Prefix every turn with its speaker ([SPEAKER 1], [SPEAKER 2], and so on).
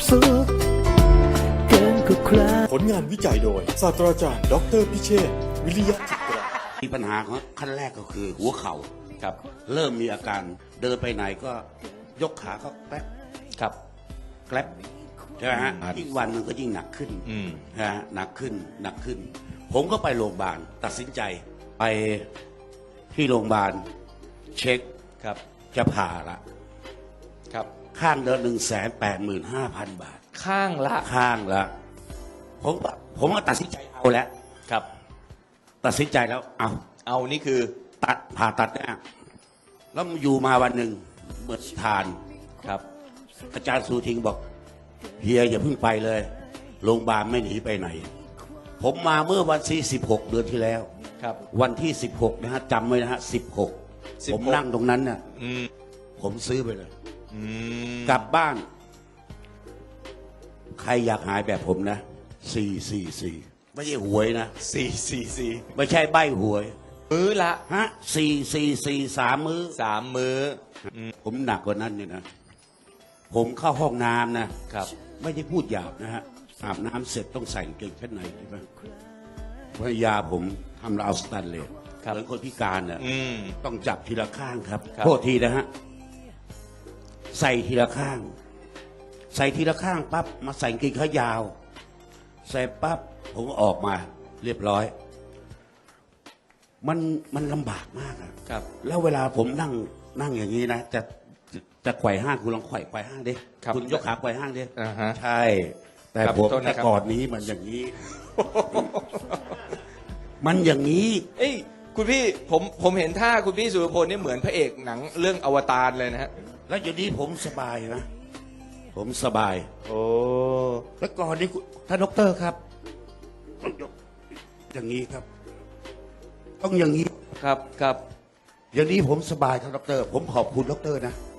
[SPEAKER 1] สุขเกินกว่าใคร
[SPEAKER 2] ผลงานวิจัยโดยศาสตราจารย์ดออเตอร์พิเชษฐ์วิริยะจิตรา
[SPEAKER 3] มีปัญหาของขั้นแรกก็คือหัวเข่า
[SPEAKER 4] ครับ
[SPEAKER 3] เริ่มมีอาการเดินไปไหนก็ยกขาก็แป๊บ
[SPEAKER 4] ครับ
[SPEAKER 3] แกลบใช่ไหมฮะยิ่งวันมันก็ยิ่งหนักขึ้น
[SPEAKER 4] อืม
[SPEAKER 3] นะฮะหนักขึ้นหนักขึ้น ผมก็ไปโรงพยาบาลตัดสินใจไปที่โรงพยาบาลเช็ค
[SPEAKER 4] ครับ
[SPEAKER 3] จะผ่าละ
[SPEAKER 4] ครับ
[SPEAKER 3] ข้างเดือน185,000 บาท
[SPEAKER 4] ข้างละ
[SPEAKER 3] ข้างละผมก็ตัดสินใจเอาแล้ว
[SPEAKER 4] ครับ
[SPEAKER 3] ตัดสินใจแล้วเอา
[SPEAKER 4] เอานี่คือ
[SPEAKER 3] ตัดผ่าตัดเนี่ยแล้วอยู่มาวันหนึ่งเหมือนทาน
[SPEAKER 4] ครับ
[SPEAKER 3] อาจารย์สูทิงบอกเฮียอย่าเพิ่งไปเลยโรงพยาบาลไม่หนีไปไหน ผมมาเมื่อวันที่16 เดือนที่แล้ว
[SPEAKER 4] ครับ
[SPEAKER 3] วันที่16นะฮะจำไว้นะฮะ16 ผมนั่งตรงนั้นน่ะ
[SPEAKER 4] อืม
[SPEAKER 3] ผมซื้อไปเลย
[SPEAKER 4] อืม
[SPEAKER 3] กลับบ้าน ใครอยากหายแบบผมนะ444ไม่ใช่หวยนะ
[SPEAKER 4] 444
[SPEAKER 3] ไม่ใช่ใบหวย
[SPEAKER 4] มื้อละ
[SPEAKER 3] ฮะ444 3 มื้อ
[SPEAKER 4] 3 มื้อ
[SPEAKER 3] ผมหนักกว่านั้นเนี่ยนะ ผมเข้าห้องน้ำนะ
[SPEAKER 4] ครับ
[SPEAKER 3] ไม่ได้พูดหยาบนะฮะอาบน้ำเสร็จต้องใส่กางเกงชั้นในใช่ไหมภรรยาผมทำราวสแตนเลส
[SPEAKER 4] ครับ
[SPEAKER 3] เหมือนคนพิการน่ะ
[SPEAKER 4] อืม
[SPEAKER 3] ต้องจับทีละข้างครับ
[SPEAKER 4] ครับ
[SPEAKER 3] โทษทีนะฮะใส่ทีละข้าง ใส่ทีละข้างปั๊บมาใส่กางเกงขายาว ใส่ปั๊บผมก็ออกมาเรียบร้อย มันลำบากมากอะ
[SPEAKER 4] ครับ
[SPEAKER 3] แล้วเวลาผมนั่งอย่างนี้นะจะไขว่ห้างคุณลองไขว่ห้างดิ
[SPEAKER 4] ครับ
[SPEAKER 3] คุณยกขาไขว่ห้างดิ
[SPEAKER 4] อ่าฮะ
[SPEAKER 3] ใช่ แต่
[SPEAKER 4] ครับ
[SPEAKER 3] ผม
[SPEAKER 4] โทษนะครับ
[SPEAKER 3] แต่ก่อนนี้มันอย่างนี้ มันอย่างนี้
[SPEAKER 4] เอ้ยคุณพี่ผมเห็นท่าคุณพี่สุรพลนี่เหมือนพระเอกหนังเรื่องอวตารเลยนะฮะ
[SPEAKER 3] แล้วอย่างนี้ผมสบายนะ ผมสบาย
[SPEAKER 4] โอ้
[SPEAKER 3] แล้วก่อนนี้ท่านดอกเตอรครับต้องยกอย่างนี้ครับ ต้องอย่างนี้
[SPEAKER 4] ครับครับ
[SPEAKER 3] อย่างนี้ผมสบายครับดอกเตอรผมขอบคุณดอกเตอรนะ